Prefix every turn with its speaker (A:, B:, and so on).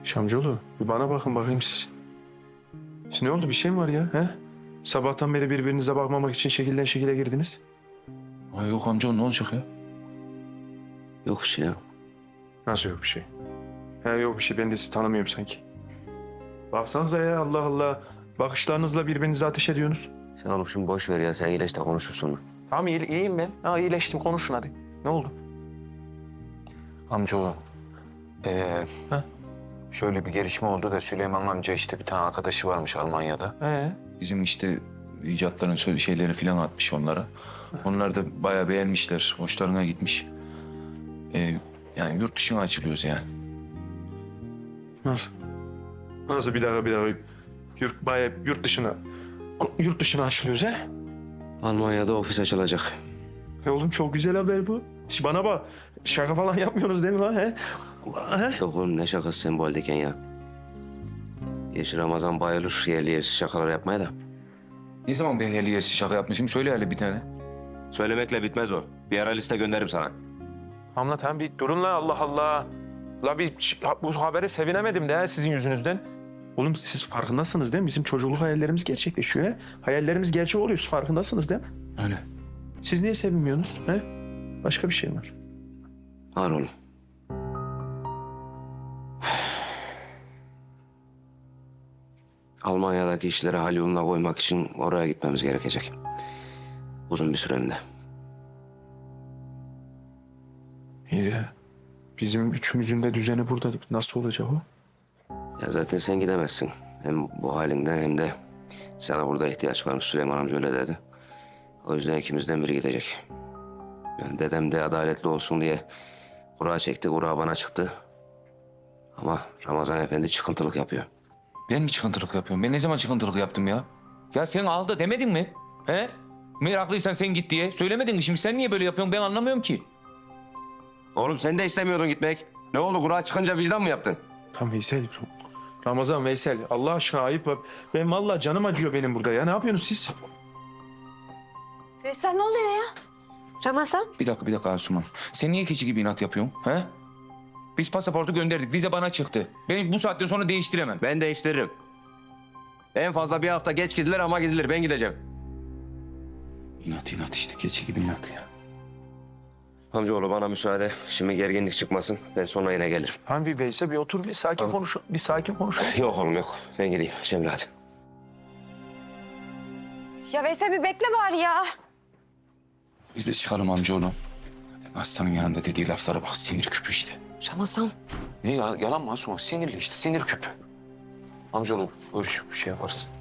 A: Şamcıoğlu, bir bana bakın bakayım siz. Ne oldu, bir şey mi var ya? He? Sabahtan beri birbirinize bakmamak için şekilden şekile girdiniz.
B: Ay yok amca ne olacak ya?
C: Yok bir şey ya.
A: Nasıl yok bir şey? He yok bir şey, ben de sizi tanımıyorum sanki. Baksanıza ya, Allah Allah. Bakışlarınızla birbirinize ateş ediyorsunuz.
C: Sen oğlum şimdi boş ver ya. Sen iyileş de konuşursun.
A: Tamam iyiyim ben. Ha, iyileştim, konuşun hadi. Ne oldu?
B: Amcaoğlu.
A: Ha?
B: Şöyle bir gelişme oldu da Süleyman amca işte bir tane arkadaşı varmış Almanya'da. Bizim işte icatların şeyleri falan atmış onlara. Onlar da bayağı beğenmişler. Hoşlarına gitmiş. Yani yurt dışına açılıyoruz yani.
A: Nasıl? Nasıl, bir dakika. Bayağı yurt dışına açılıyoruz he?
C: Almanya'da ofis açılacak.
A: Oğlum çok güzel haber bu. Bana bak, şaka falan yapmıyorsunuz değil mi lan he? He?
C: Yok oğlum ne şakası sen bu haldeyken ya. Geç Ramazan bayılır yerli yersiz şakalar yapmaya da.
B: Ne zaman ben yerli yersiz şaka yapmışım? Söyle hele bir tane.
C: Söylemekle bitmez o. Bir ara liste gönderirim sana.
A: Hamla tamam bir durun la, Allah Allah. La bu habere sevinemedim de sizin yüzünüzden. Oğlum siz farkındasınız değil mi? Bizim çocukluk hayallerimiz gerçekleşiyor he. Hayallerimiz gerçek oluyor, siz farkındasınız değil mi?
B: Öyle.
A: Siz niye sevinmiyorsunuz he? Başka bir şey var.
C: Var oğlum. Almanya'daki işleri hal yoluna koymak için oraya gitmemiz gerekecek. Uzun bir süreliğine.
A: İyi de bizim üçümüzün de düzeni burada. Nasıl olacak o?
C: Ya zaten sen gidemezsin. Hem bu halinden hem de sana burada ihtiyaç varmış. Süleyman amca öyle dedi. O yüzden ikimizden biri gidecek. Yani dedem de adaletli olsun diye kura çekti. Kura bana çıktı. Ama Ramazan Efendi çıkıntılık yapıyor.
B: Ben mi çıkıntılık yapıyorum? Ben ne zaman çıkıntılık yaptım ya? Ya sen aldı demedin mi? He? Meraklıysan sen git diye. Söylemedin mi? Şimdi sen niye böyle yapıyorsun? Ben anlamıyorum ki.
C: Oğlum sen de istemiyordun gitmek. Ne oldu kura çıkınca vicdan mı yaptın?
A: Tam Veysel. Ramazan, Veysel. Allah aşkına ayıp. Ben vallahi canım acıyor benim burada ya. Ne yapıyorsunuz siz?
D: Veysel ne oluyor ya? Ramazan.
B: Bir dakika Asuman. Sen niye keçi gibi inat yapıyorsun? He? Biz pasaportu gönderdik. Vize bana çıktı. Ben bu saatten sonra değiştiremem.
C: Ben değiştiririm. En fazla bir hafta geç gidilir ama gidilir. Ben gideceğim.
B: İnat işte. Keçi gibi inat ya.
C: Amcaoğlu bana müsaade. Şimdi gerginlik çıkmasın. Ben sonra yine gelirim.
A: Hani bir Veysel, bir otur, bir sakin konuş. Bir sakin konuş.
C: Yok oğlum yok. Ben gideyim. Cemile hadi.
D: Ya Veysel bir bekle bari ya.
B: Biz de çıkalım amcaoğlu. Aslanın yanında dediği laflara bak. Sinir küpü işte.
D: Ramazan.
B: Ne ya? Yalan mı Asuman? Sinirli işte. Sinir küpü. Amcaoğlu görüş bir şey yaparız.